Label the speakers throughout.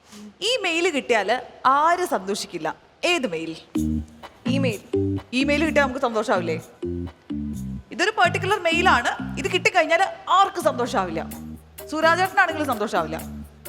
Speaker 1: ഈ മെയിൽ കിട്ടിയാൽ ആരും സന്തോഷിക്കില്ല. ഏത് മെയിൽ? ഇമെയിൽ കിട്ടിയാൽ നമുക്ക് സന്തോഷാവില്ലേ? ഇതൊരു പെർട്ടിക്കുലർ മെയിലാണ്. ഇത് കിട്ടിക്കഴിഞ്ഞാൽ ആർക്കും സന്തോഷാവില്ല. സുരാജേട്ടനാണെങ്കിലും സന്തോഷാവില്ല.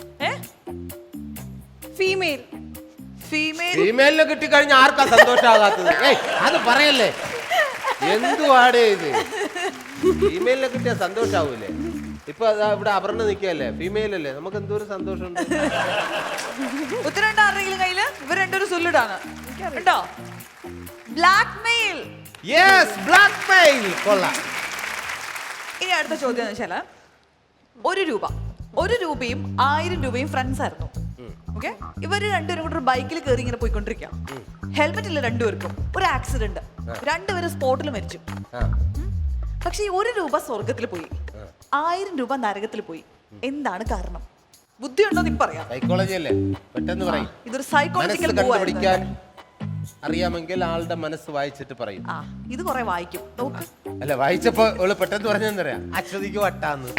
Speaker 2: ഫീമെയിലിനെ കിട്ടിക്കഴിഞ്ഞാൽ ആർക്കാ സന്തോഷാകാത്തത്? അത് പറയല്ലേ, എന്തുവാടേ ഇത്? ഫീമെയിലിനെ കിട്ടിയാൽ സന്തോഷാവൂലേ? ഇപ്പൊ ഇവിടെ അപർണ നിൽക്കല്ലേ, ഫീമെയിൽ അല്ലേ, നമുക്ക് എന്തോ ഒരു സന്തോഷമുണ്ട്.
Speaker 1: ഉത്തരം ആരുടെങ്കിലും കയ്യില്? ഇവർ രണ്ടൊരു സുല്ലിടാണ് കേട്ടോ. Black mail.
Speaker 2: ബ്ലാക്ക് മെയിൽ കൊള്ളാം.
Speaker 1: ഇനി അടുത്ത ചോദ്യം എന്ന് വെച്ചാല്, 1 രൂപ, 1 രൂപയും 1000 രൂപയും ഫ്രണ്ട്സ് ആയിരുന്നു. ഓക്കെ, ഇവര് രണ്ടുപേരും കൂടെ ഒരു ബൈക്കിൽ കയറി ഇങ്ങനെ പോയിക്കൊണ്ടിരിക്കാം. ഹെൽമെറ്റ് ഇല്ല രണ്ടുപേർക്കും. ഒരു ആക്സിഡന്റ്, രണ്ടുപേരും സ്പോട്ടിൽ മരിച്ചു. പക്ഷെ ഈ 1 രൂപ സ്വർഗത്തിൽ പോയി, 1000 രൂപ നരകത്തിൽ പോയി. എന്താണ് കാരണം? ബുദ്ധിയുണ്ടോ എന്ന് പറയാം.
Speaker 2: സൈക്കോളജി അല്ലേ, പെട്ടെന്ന് പറയും.
Speaker 1: ഇതൊരു സൈക്കോളജിക്കൽ
Speaker 2: കണ്ടുപിടിക്കാൻ അറിയാമെങ്കിൽ ആളുടെ മനസ്സ് വായിച്ചിട്ട് പറയും.
Speaker 1: ഇത് കുറെ വായിക്കും.
Speaker 2: അല്ല, വായിച്ചപ്പോ പെട്ടെന്ന് പറഞ്ഞെന്നറിയാം, അശ്വതിക്ക് വട്ടാന്ന്.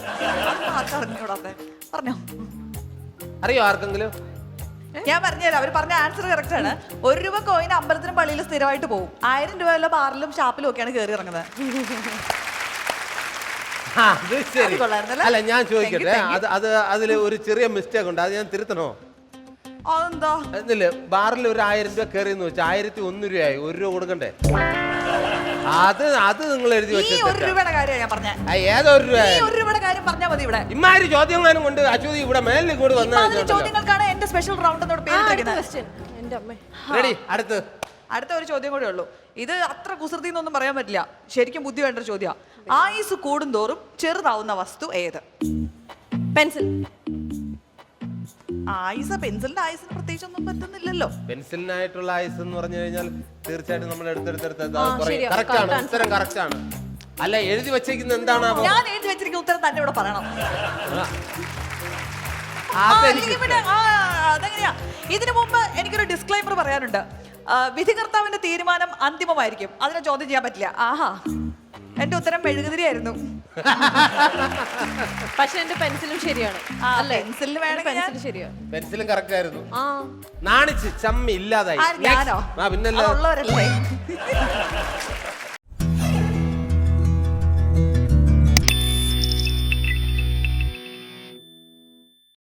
Speaker 1: പറഞ്ഞോ,
Speaker 2: അറിയോ ആർക്കെങ്കിലും?
Speaker 1: ഞാൻ പറഞ്ഞുതരാം. അവർ പറഞ്ഞ ആൻസർ കറക്റ്റ് ആണ്. 1 രൂപ കോയിൻ അമ്പലത്തിനും പള്ളിയിലും സ്ഥിരമായിട്ട് പോകും. 1000 രൂപ വല്ല ബാറിലും ഷാപ്പിലും ഒക്കെയാണ് കയറി ഇറങ്ങുന്നത്.
Speaker 2: അല്ല, ഞാൻ ചോദിക്കട്ടെ, അതിൽ ഒരു ചെറിയ മിസ്റ്റേക്ക് ഉണ്ട്, അത് ഞാൻ തിരുത്തണോ?
Speaker 1: അതെന്താ?
Speaker 2: എന്നില്ല, ബാറിൽ ഒരു 1000 രൂപ കയറിയെന്ന് വെച്ചാൽ 1001 രൂപയായി. 1 രൂപ കൊടുക്കണ്ടേ? അത് നിങ്ങൾ എഴുതി വെച്ചു.
Speaker 1: 1 രൂപയുടെ കാര്യമാണ് ഞാൻ പറഞ്ഞത്.
Speaker 2: ഏതോ 1 രൂപ?
Speaker 1: 1 രൂപയുടെ കാര്യം പറഞ്ഞാൽ മതി. ഇവിടെ
Speaker 2: ഇമാതിരി ചോദ്യങ്ങളും കൊണ്ട് അശ്വതി ഇവിടെ മേലിൽ കൂടി വന്ന
Speaker 1: ചോദ്യങ്ങൾക്കാണ് എന്റെ സ്പെഷ്യൽ റൗണ്ട് എന്നോട് പേര്. അടുത്ത ഒരു ചോദ്യം കൂടെ ഉള്ളൂ. ഇത് അത്ര കുസൃതി എന്നൊന്നും പറയാൻ പറ്റില്ല, ശരിക്കും ബുദ്ധി വേണ്ട ചോദ്യം. ആയുസ് കൂടുന്തോറും ചെറുതാവുന്ന വസ്തു ഏത്?
Speaker 3: പെൻസിൽ.
Speaker 1: പെൻസിലിന്റെ ആയുസിന് പ്രത്യേകിച്ച് ഒന്നും പറ്റുന്നില്ലല്ലോ.
Speaker 2: പെൻസിലിനായിട്ടുള്ള ആയുസ് എന്ന് പറഞ്ഞു കഴിഞ്ഞാൽ തീർച്ചയായിട്ടും നമ്മൾ എടുത്തെടുത്ത് ഉത്തരം കറക്റ്റ് ആണ്. അല്ല, എഴുതി വെച്ചിരിക്കുന്നത് എന്താണ്?
Speaker 1: ഞാൻ എഴുതി വെച്ചിരിക്കുന്ന ഉത്തരം തന്നെ ഇവിടെ പറയണം. അതെങ്ങനെയാ? ഇതിനു മുമ്പ് എനിക്കൊരു ഡിസ്ക്ലൈമർ പറയാനുണ്ട്. വിധികർത്താവിന്റെ തീരുമാനം അന്തിമമായിരിക്കും, അതിനെ ചോദ്യം ചെയ്യാൻ പറ്റില്ല. എന്റെ ഉത്തരം മെഴുകുതിരിയായിരുന്നു.
Speaker 3: പക്ഷെ എന്റെ പെൻസിലും ശരിയാണ്.
Speaker 1: പെൻസിലിന് വേണം.
Speaker 3: പെൻസിൽ ശരിയാണ്.
Speaker 2: പെൻസിലും കറക്റ്റ് ആയിരുന്നു. നാണിച്ച് ചമ്മി ഇല്ലാതായി.
Speaker 1: ഞാനോ?
Speaker 2: പിന്നല്ലേ.
Speaker 1: ഉള്ളവരല്ലേ.